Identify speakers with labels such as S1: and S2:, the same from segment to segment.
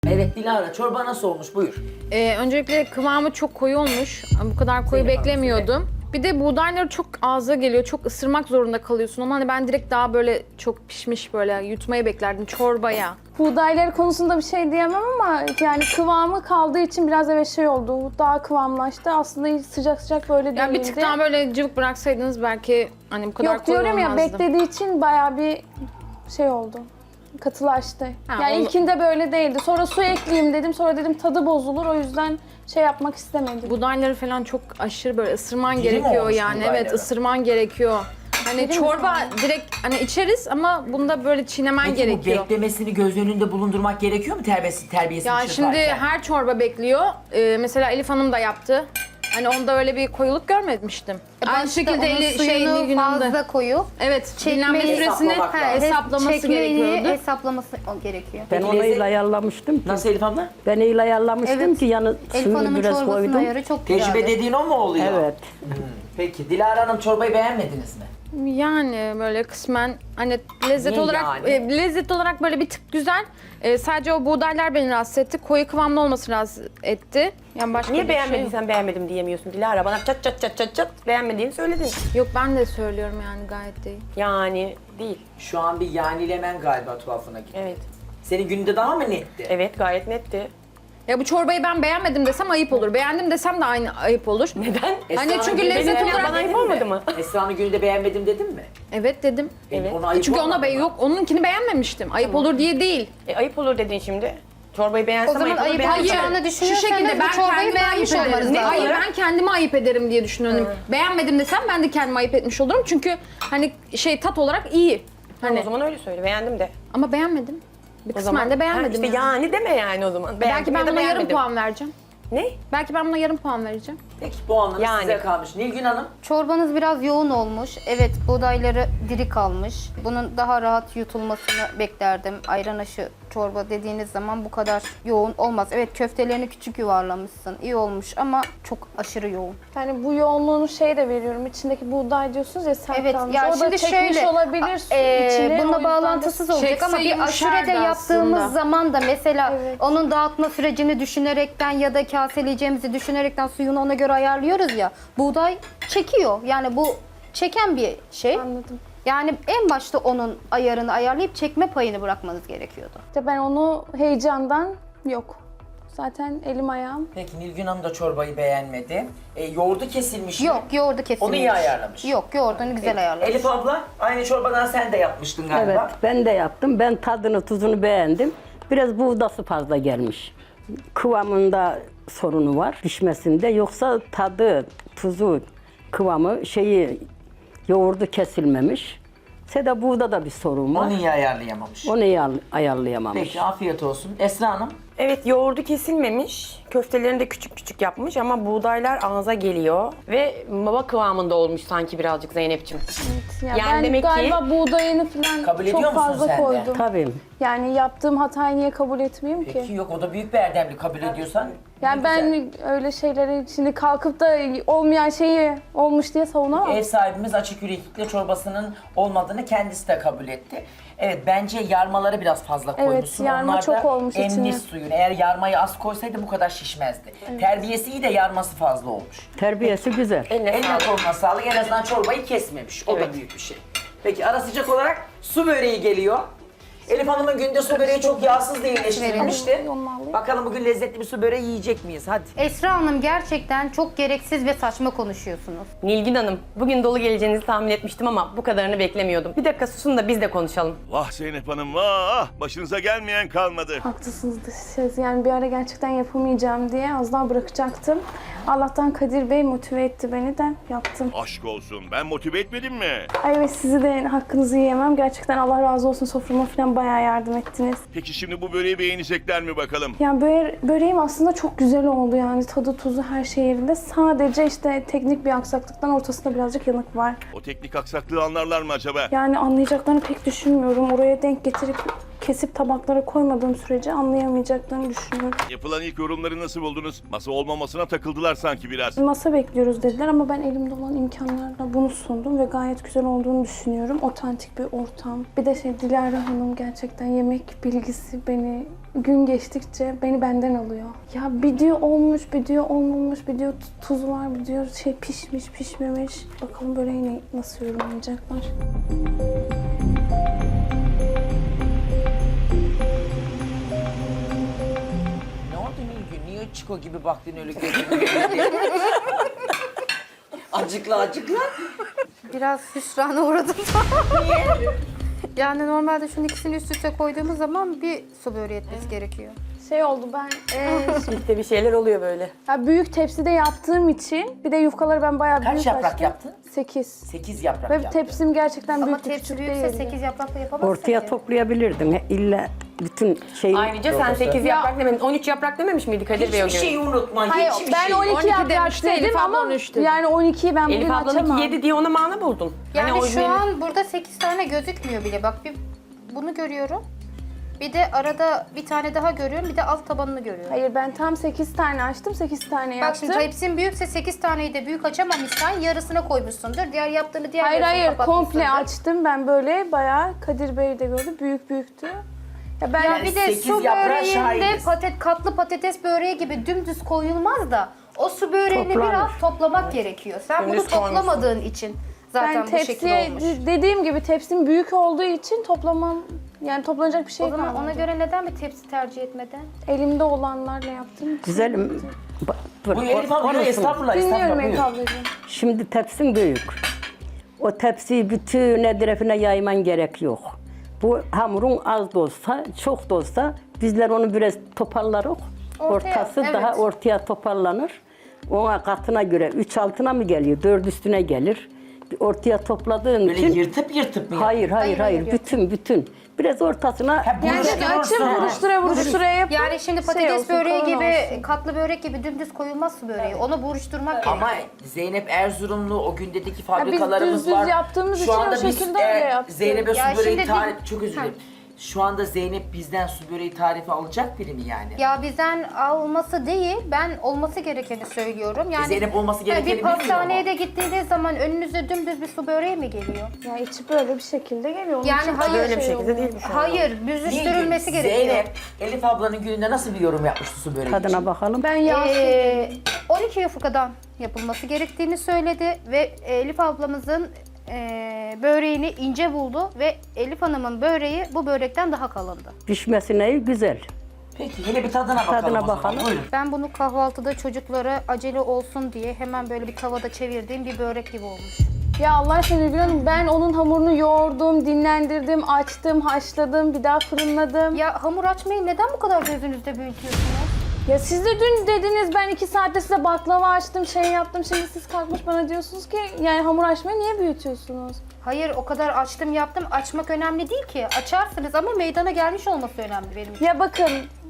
S1: Evet Dilara, çorba nasıl olmuş? Buyur.
S2: Öncelikle kıvamı çok koyu olmuş. Bu kadar koyu
S1: Zeynep Hanım,
S2: beklemiyordum. Bir de buğdayları çok ağza geliyor. Çok ısırmak zorunda kalıyorsun. Ama hani ben direkt daha böyle çok pişmiş böyle yutmayı beklerdim çorbaya.
S3: Buğdayları konusunda bir şey diyemem ama yani kıvamı kaldığı için biraz evet şey oldu. Daha kıvamlaştı. Aslında hiç sıcak sıcak böyle değildi.
S2: Yani bir tık daha böyle cıvık bıraksaydınız belki hani bu kadar
S3: Yok
S2: koyu
S3: diyorum ya
S2: olmazdı.
S3: beklediği için bayağı bir şey oldu. Katılaştı.
S2: Ha,
S3: Yani
S2: onu-
S3: ilkinde böyle değildi. Sonra su ekleyeyim dedim. Sonra dedim tadı bozulur. O yüzden şey yapmak istemedim.
S2: Buğdayları falan çok aşırı böyle ısırman
S1: Diri mi
S2: gerekiyor
S1: olmuş
S2: yani.
S1: buğdayları?
S2: Evet ısırman gerekiyor. Hani
S3: Diri mi
S2: çorba
S3: kalmış?
S2: direkt hani içeriz ama bunda böyle çiğnemen
S1: Peki
S2: gerekiyor.
S1: bu beklemesini göz önünde bulundurmak gerekiyor mu terbiyesini
S2: Ya şimdi
S1: yaparken?
S2: her çorba bekliyor. Mesela Elif Hanım da yaptı. Hani onda öyle bir koyuluk görmemiştim. Aynı şekilde
S4: suyunu fazla koyup
S2: Evet, dinlenme süresini
S1: hesaplamak lazım.
S2: hesaplaması
S4: çekmeyi
S2: gerekiyordu.
S4: hesaplaması gerekiyor.
S5: Ben
S1: Peki
S5: onu
S1: lezzet-
S5: öyle ayarlamıştım ki.
S1: Nasıl Elif abla?
S5: Ben öyle ayarlamıştım
S4: Evet.
S5: ki yani
S4: Elif
S5: suyunu
S4: Hanım'ın
S5: biraz
S4: çorbasının
S5: koydum.
S4: ayarı çok
S1: Tecrübe
S4: güzeldi.
S1: dediğin o mu oluyor?
S5: Evet.
S1: Peki Dilara Hanım çorbayı beğenmediniz mi?
S2: Yani böyle kısmen hani lezzet
S1: Niye
S2: olarak
S1: yani?
S2: lezzet olarak böyle bir tık güzel. Sadece o buğdaylar beni rahatsız etti. Koyu kıvamlı olması rahatsız etti. Yani başka
S6: Niye
S2: bir şey yok.
S6: beğenmediysen beğenmedim diyemiyorsun Dilara. Bana çat çat çat çat çat beğenmediğini söyledin.
S2: Yok ben de söylüyorum yani gayet değil.
S6: Yani değil.
S1: Şu an bir yanilemen galiba tuhafına gitti.
S6: Evet.
S1: Senin gününde daha mı netti?
S6: Evet gayet netti.
S2: Ya bu çorbayı ben beğenmedim desem ayıp olur. Beğendim desem de aynı ayıp olur.
S6: Neden?
S2: Hani
S1: Esra'nın
S2: çünkü
S1: gününde
S2: lezzet
S1: beğenmedim
S2: olarak-
S6: Bana ayıp
S1: dedin mi?
S6: olmadı mı?
S1: Esra'nın gününde beğenmedim dedin mi?
S2: Evet dedim.
S6: Evet.
S1: Ona ayıp
S2: Çünkü ona
S1: olmadı mı?
S2: yok onunkini beğenmemiştim. Ayıp olur diye değil.
S6: Ayıp olur dedin şimdi. Çorbayı beğensem
S4: O zaman
S6: ayıp olur.
S4: ayıp
S6: beğenmesem-
S4: olacağını
S2: Şu
S4: düşünüyorsanız
S2: şekilde
S4: bu
S2: ben
S4: çorbayı
S2: kendimi ayıp
S4: beğenmiş
S2: ederim.
S4: olmanız lazım.
S2: Hayır ben kendimi ayıp ederim diye düşünüyorum. Beğenmedim desem ben de kendimi ayıp etmiş olurum. Çünkü hani tat olarak iyi.
S6: Tamam,
S2: Hani
S6: o zaman öyle söyle. Beğendim de.
S2: ama beğenmedim. Bir
S6: O
S2: kısmen
S6: zaman
S2: de beğenmedim.
S6: işte yani deme yani o zaman. Beğendim
S2: Belki
S6: ya
S2: ben
S6: da
S2: buna yarım
S6: beğenmedim.
S2: puan vereceğim.
S6: Ne?
S2: Belki ben buna yarım puan vereceğim.
S1: Peki puanlarınız
S6: Yani.
S1: size kalmış. Nilgün Hanım?
S4: Çorbanız biraz yoğun olmuş. Evet, buğdayları diri kalmış. Bunun daha rahat yutulmasını beklerdim. Ayran aşı çorba dediğiniz zaman bu kadar yoğun olmaz. Evet, köftelerini küçük yuvarlamışsın. İyi olmuş ama çok aşırı yoğun.
S3: Yani bu yoğunluğunu şey de veriyorum. İçindeki buğday diyorsunuz ya sert
S4: Evet,
S3: kalmış.
S4: ya
S3: O da
S4: şimdi
S3: çekmiş
S4: şöyle
S3: olabilir içine. O
S4: bununla
S3: yüzden
S4: bağlantısız olacak ama
S2: Çekse
S4: bir aşurede
S2: yumuşardı
S4: yaptığımız
S2: aslında.
S4: zaman da mesela
S3: Evet.
S4: onun dağıtma sürecini düşünerekten ya da kaseleyeceğimizi düşünerekten suyunu ona göre ayarlıyoruz ya. Buğday çekiyor. Yani bu çeken bir şey.
S3: Anladım.
S4: Yani en başta onun ayarını ayarlayıp çekme payını bırakmanız gerekiyordu.
S3: İşte ben onu heyecandan yok. Zaten elim ayağım.
S1: Peki Nilgün Hanım da çorbayı beğenmedi. Yoğurdu kesilmiş mi?
S4: Yok, yoğurdu kesilmiş.
S1: Onu iyi ayarlamış.
S4: Yok, yoğurdunu güzel ayarlamış.
S1: Elif abla aynı çorbadan sen de yapmıştın galiba.
S5: Evet ben de yaptım. Ben tadını tuzunu beğendim. Biraz buğdası fazla gelmiş. Kıvamında sorunu var pişmesinde. Yoksa tadı, tuzu, kıvamı yoğurdu kesilmemiş. Seda buğda da bir sorun var.
S1: Onu iyi ayarlayamamış.
S5: Onu iyi ayarlayamamış.
S1: Peki afiyet olsun. Esra Hanım?
S6: Evet yoğurdu kesilmemiş. Köftelerini de küçük küçük yapmış ama buğdaylar ağza geliyor. Ve baba kıvamında olmuş sanki birazcık Zeynep'ciğim.
S3: Ya
S6: Yani
S3: ben
S6: demek ki-
S3: galiba buğdayını falan
S1: Kabul ediyor
S3: çok
S1: musun
S3: fazla
S1: sen de?
S3: koydum.
S5: Tabii.
S3: Yani yaptığım hatayı niye kabul etmeyeyim ki?
S1: Peki yok o da büyük bir erdemli kabul ediyorsan.
S3: Yani
S1: ne güzel.
S3: ben öyle şeyleri şimdi kalkıp da olmayan şeyi olmuş diye savunamam.
S1: Ev sahibimiz açık yüreklilikle çorbasının olmadığını kendisi de kabul etti. Evet bence yarmaları biraz fazla
S3: Evet,
S1: koymuşsun.
S3: yarma
S1: Onlar da
S3: çok olmuş
S1: emmiş
S3: içine.
S1: suyunu. Eğer yarmayı az koysaydı bu kadar şişmezdi. Terbiyesi iyi de yarması fazla olmuş.
S5: Terbiyesi güzel.
S6: Eline sağlık.
S1: Koluna sağlık. En azından çorbayı kesmemiş. O da
S6: Evet.
S1: büyük bir şey. Peki ara sıcak olarak su böreği geliyor. Elif Hanım'ın günde su böreği çok yağsız diye eleştirilmişti.
S3: Evet, onu alayım.
S1: Bakalım bugün lezzetli bir su böreği yiyecek miyiz? Hadi.
S4: Esra Hanım gerçekten çok gereksiz ve saçma konuşuyorsunuz.
S6: Nilgün Hanım, bugün dolu geleceğinizi tahmin etmiştim ama bu kadarını beklemiyordum. Bir dakika susun da biz de konuşalım.
S7: Vah Zeynep Hanım vah! Başınıza gelmeyen kalmadı.
S3: Haklısınız siz. Yani bir ara gerçekten yapamayacağım diye az daha bırakacaktım. Allah'tan Kadir Bey motive etti beni de yaptım.
S7: Aşk olsun ben motive etmedim mi?
S3: Ay evet sizi de hakkınızı yiyemem. Gerçekten Allah razı olsun soframa falan bayağı yardım ettiniz.
S7: Peki şimdi bu böreği beğenecekler mi bakalım?
S3: Yani böreğim aslında çok güzel oldu yani tadı tuzu her şey yerinde. Sadece işte teknik bir aksaklıktan ortasında birazcık yanık var.
S7: O teknik aksaklığı anlarlar mı acaba?
S3: Yani anlayacaklarını pek düşünmüyorum. Oraya denk getirip kesip tabaklara koymadığım sürece anlayamayacaklarını düşünüyorum.
S7: Yapılan ilk yorumları nasıl buldunuz? Masa olmamasına takıldılar sanki biraz.
S3: Masa bekliyoruz dediler ama ben elimde olan imkanlarla bunu sundum ve gayet güzel olduğunu düşünüyorum. Otantik bir ortam. Bir de Dilara Hanım gerçekten yemek bilgisi beni gün geçtikçe beni benden alıyor. Ya bir diyor olmuş, bir diyor olmamış, bir diyor tuz var, bir diyor pişmiş, pişmemiş. Bakalım böreği nasıl yorumlayacaklar.
S1: Ne oldu Nilgün? Niye Çiko gibi baktın öyle gözüne? Acıkla acıkla.
S4: Biraz hüsrana uğradım. Niye? Yani normalde şunun ikisini üst üste koyduğumuz zaman bir su böreği etmesi gerekiyor.
S3: Oldu ben
S6: İşte bir şeyler oluyor böyle.
S3: ya büyük tepside yaptığım için bir de yufkaları ben bayağı büyük
S1: Kaç yaprak
S3: açtım.
S1: yaptın?
S3: 8.
S1: 8 yaprak
S3: Ve
S1: yaptın.
S3: tepsim gerçekten
S4: Ama
S3: büyük
S4: tepsi
S3: küçük
S4: büyükse
S3: değildi.
S4: 8 yaprakla yapamazsın
S5: Ortaya
S4: ki.
S5: toplayabilirdin. İlla bütün şeyi...
S6: Ayrıca sen 8 yaprak dememiş, 13 yaprak dememiş miydi Kadir Bey o
S1: Hiçbir
S6: gün?
S1: şeyi unutma.
S3: Hayır,
S1: hiçbir
S3: ben
S1: şey.
S3: 12
S2: 12
S3: yaprak
S2: demişti,
S3: dedim
S2: Elif abla
S3: ama
S2: 13 dedi.
S3: yani 12'yi ben
S6: Elif
S3: bugün
S6: ablanınki
S3: açamam.
S6: 7 diye ona mana buldun.
S4: Yani
S6: Hani o
S4: şu
S6: benim-
S4: an burada 8 tane gözükmüyor bile. Bak bir bunu görüyorum. Bir de arada bir tane daha görüyorum. Bir de alt tabanını görüyorum.
S3: Hayır ben tam 8 tane açtım, 8 tane
S4: Bak
S3: yaptım.
S4: şimdi tepsin büyükse 8 taneyi de büyük açamamışsan yarısına koymuşsundur. Diğer yaptığını diğer
S3: Hayır
S4: yarısına kapatmışsındır.
S3: komple açtım ben böyle bayağı Kadir Bey de gördü büyüktü. Ya ben
S4: Ya
S1: Yani
S4: bir de
S1: 8
S4: su
S1: yaprağa
S4: böreğinde
S1: şahidiz.
S4: katlı patates böreği gibi dümdüz koyulmaz da o su böreğini
S5: Toplanır.
S4: biraz toplamak gerekiyor. Sen
S6: Dümdüz
S4: bunu toplamadığın için zaten
S3: ben
S4: bu şekil
S3: tepsiye
S4: olmuş.
S3: dediğim gibi tepsim büyük olduğu için toplanacak bir şey
S4: O zaman
S3: kalmadı.
S4: ona göre neden bir tepsi tercih etmedin?
S3: Elimde olanlarla yaptım.
S5: Güzelim.
S1: Buyur Elif abla,
S5: Konuşun.
S1: estağfurullah,
S3: Dinliyorum
S1: estağfurullah.
S3: Elif
S1: Buyur.
S3: ablacığım.
S5: Şimdi tepsin büyük. O tepsiyi bütün etrafına yayman gerek yok. Bu hamurun az da olsa, çok da olsa bizler onu biraz toparlarız. Ortası
S4: evet.
S5: daha ortaya toparlanır. Ona katına göre 3 altına mı geliyor, 4 üstüne gelir. Ortaya topladığın
S1: Böyle
S5: için...
S1: yırtıp yırtıp mı?
S5: Hayır.
S4: hayır.
S5: Bütün. Biraz ortasına...
S1: Ha,
S3: Yani açıp vuruştura yapıp
S4: Yani şimdi patates
S3: olsun,
S4: böreği
S3: kalın
S4: gibi,
S3: olsun.
S4: katlı börek gibi dümdüz koyulmaz su böreği. Onu buruşturmak gerekiyor.
S1: Ama Zeynep Erzurumlu o gündeki
S3: biz
S1: fabrikalarımız
S3: düz
S1: var.
S3: yaptığımız için o
S1: biz,
S3: şekilde öyle yaptık.
S1: Zeynep'e
S4: Ya
S1: su böreği
S4: şimdi
S1: tarifi, çok özür dilerim. Şu anda Zeynep bizden su böreği tarifi alacak biri mi yani?
S4: Ya bizden alması değil, ben olması gerekeni söylüyorum. Yani
S1: Zeynep olması gerekeni
S4: bir
S1: bilmiyor
S4: pastaneye
S1: ama.
S4: de gittiğiniz zaman önünüze dümdüz bir su böreği mi geliyor?
S3: Ya içi böyle bir şekilde geliyor. Onun
S4: Yani
S3: için
S4: hayır,
S6: Böyle bir
S3: şey
S6: şekilde
S3: oluyor.
S6: değil mi şu an?
S4: Hayır, büzüştürülmesi
S1: Nilgün,
S4: gerekiyor.
S1: Zeynep, Elif ablanın gününde nasıl bir yorum yapmıştı su böreği
S5: Tadına
S1: için?
S5: bakalım.
S3: Ben yağsız
S4: 12 yufkadan yapılması gerektiğini söyledi ve Elif ablamızın böreğini ince buldu ve Elif Hanım'ın böreği bu börekten daha kalındı.
S5: Pişmesine güzel.
S1: Peki hele bir tadına bakalım
S5: Tadına
S1: o zaman.
S5: bakalım.
S1: Buyurun.
S4: Ben bunu kahvaltıda çocuklara acele olsun diye hemen böyle bir tavada çevirdiğim bir börek gibi olmuş.
S3: Ya Allah aşkına Nilgün Hanım, ben onun hamurunu yoğurdum, dinlendirdim, açtım, haşladım, bir daha fırınladım.
S4: Ya hamur açmayı neden bu kadar gözünüzde büyütüyorsunuz?
S3: Ya siz de dün dediniz ben 2 saatte size baklava açtım, şey yaptım. Şimdi siz kalkmış bana diyorsunuz ki yani hamur açmayı niye büyütüyorsunuz?
S4: Hayır, o kadar açtım yaptım. Açmak önemli değil ki. Açarsınız ama meydana gelmiş olması önemli benim için.
S3: Ya bakın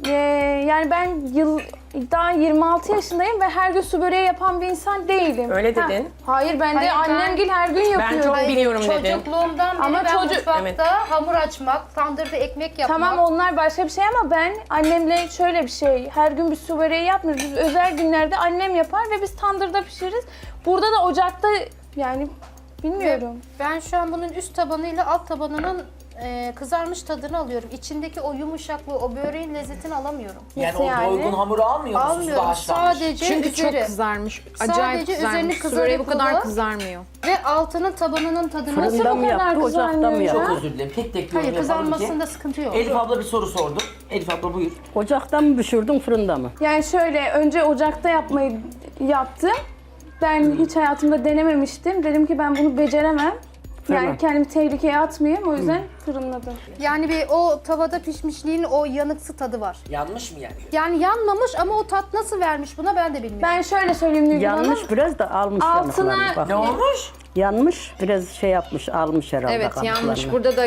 S3: yani ben daha 26 yaşındayım ve her gün su böreği yapan bir insan değilim.
S6: Öyle
S3: Ha,
S6: dedin.
S3: Hayır ben de
S4: Hayır, ben-
S3: annemgil her gün yapıyor.
S6: çok biliyorum dedin.
S4: Çocukluğumdan beri
S3: Ama
S4: ben
S3: çocuk-
S4: mutfakta
S6: Evet.
S4: hamur açmak, tandırda ekmek yapmak.
S3: Tamam onlar başka bir şey ama ben annemle şöyle bir şey, her gün bir su böreği yapmıyoruz. Biz özel günlerde annem yapar ve biz tandırda pişiririz. Burada da ocakta yani bilmiyorum.
S4: Ben şu an bunun üst tabanıyla alt tabanının kızarmış tadını alıyorum. İçindeki o yumuşaklığı, o böreğin lezzetini alamıyorum.
S1: Yani
S3: Nasıl
S1: o
S3: yani?
S1: doygun hamuru almıyor musunuz da
S4: Almıyorum.
S1: haşlanmış?
S4: Sadece
S2: Çünkü
S4: üzeri.
S2: çok kızarmış. Acayip
S4: Sadece üzerini
S2: kızarmış. Su böreği bu kadar
S4: kızarıp
S2: kızarmıyor.
S4: ve altının tabanının tadını
S5: Fırında mı
S3: bu kadar
S5: yaptı, ocakta mı
S3: kızarmıyor ya?
S5: yaptı?
S1: Çok özür dilerim. Tek tek yorum
S4: Hayır,
S1: yapalım ki.
S4: kızarmasında sıkıntı yok.
S1: Elif abla bir soru sordu. Elif abla buyur.
S5: Ocakta mı pişirdin, fırında mı?
S3: Yani şöyle önce ocakta yapmayı yaptım. Ben hiç hayatımda denememiştim. Dedim ki ben bunu beceremem. Yani
S5: Tamam.
S3: kendimi tehlikeye atmayayım. O yüzden fırınladım.
S4: Yani bir o tavada pişmişliğin o yanıksı tadı var.
S1: Yanlış mı yani?
S4: Yani yanmamış ama o tat nasıl vermiş buna ben de bilmiyorum.
S3: Ben şöyle söyleyeyim Nilgün Hanım.
S5: Yanmış biraz da almış
S3: Altına-
S5: yanıklarını. Bak.
S1: Ne olmuş?
S5: Yanmış, biraz şey yapmış, almış herhalde
S2: Evet yanlış.
S5: kabuklarını.
S2: Burada da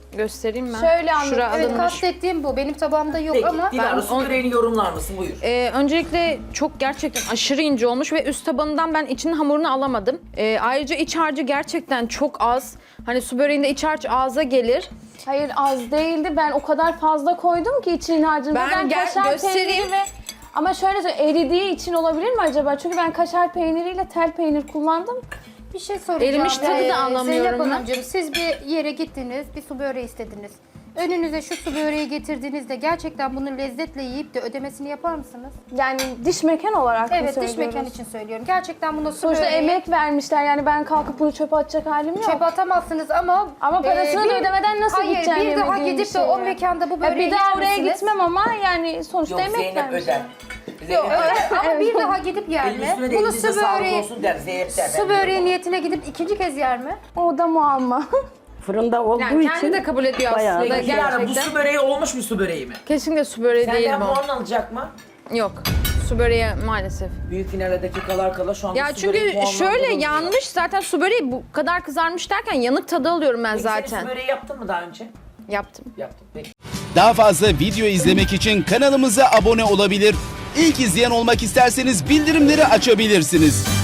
S2: Göstereyim ben.
S3: Şöyle anladım.
S2: Şura
S4: Evet,
S2: alınmış.
S4: kastettiğim bu. Benim tabağımda yok
S1: Peki
S4: ama
S1: Dilara su böreğini yorumlar mısın? Buyur.
S2: Öncelikle çok gerçekten aşırı ince olmuş ve üst tabanından ben içinin hamurunu alamadım. Ayrıca iç harcı gerçekten çok az. Hani su böreğinde iç harç ağza gelir.
S3: Hayır az değildi. Ben o kadar fazla koydum ki içinin harcını.
S2: Ben
S3: kaşar
S2: göstereyim.
S3: peyniri ve... Ama şöyle söyleyeyim, eridiği için olabilir mi acaba? Çünkü ben kaşar peyniriyle tel peynir kullandım.
S4: bir şey soracağım.
S2: Erimiş tadı da anlamıyorum
S4: Zeynep
S2: ben.
S4: Hanımcığım, siz bir yere gittiniz, bir su böreği istediniz. Önünüze şu su böreği getirdiğinizde gerçekten bunu lezzetle yiyip de ödemesini yapar mısınız?
S3: Yani diş mekan olarak mı
S4: Evet, diş
S3: söylüyoruz?
S4: mekan için söylüyorum. Gerçekten buna su
S3: Sonuçta
S4: böreği
S3: emek vermişler, yani ben kalkıp bunu çöpe atacak halim yok.
S4: çöpe atamazsınız ama...
S3: Parasını da ödemeden nasıl
S4: hayır,
S3: gideceğim
S4: bir daha
S3: yemediğim
S4: gidip de
S3: şeye?
S4: o mekanda bu
S3: Ya
S4: böreği
S3: bir daha oraya
S4: yer misiniz?
S3: gitmem ama yani sonuçta
S1: Yok
S3: emek
S1: Zeynep
S3: vermişler.
S1: öder.
S4: Yok,
S1: Zeynep öder.
S4: ama bir daha gidip yer
S1: Elin
S4: mi?
S1: üstüne de
S4: Bunu
S1: elinize
S4: su
S1: sağlık
S4: böreği,
S1: olsun der. Zeynep der.
S4: su böreği niyetine gidip ikinci kez yer mi?
S3: O da muamma.
S5: Fırında olduğu
S2: Yani
S5: için
S2: kendi de kabul ediyor
S5: bayağı
S2: aslında
S5: güzel.
S1: Dilara bu
S2: gerçekten.
S1: su böreği olmuş mu su böreği mi?
S2: Kesinlikle su böreği değil
S1: Senden
S2: bu.
S1: puan alacak mı?
S2: Yok. Su böreği maalesef.
S1: Büyük finale dakikalar kala şu anda
S2: Ya
S1: su böreği
S2: çünkü şöyle
S1: puanlandırılmıyor.
S2: yanmış zaten su böreği bu kadar kızarmış derken yanık tadı alıyorum ben
S1: Peki sen
S2: zaten.
S1: su böreği yaptın mı daha önce?
S2: Yaptım.
S1: Yaptım. Peki.
S8: Daha fazla video izlemek için kanalımıza abone olabilir. İlk izleyen olmak isterseniz bildirimleri açabilirsiniz.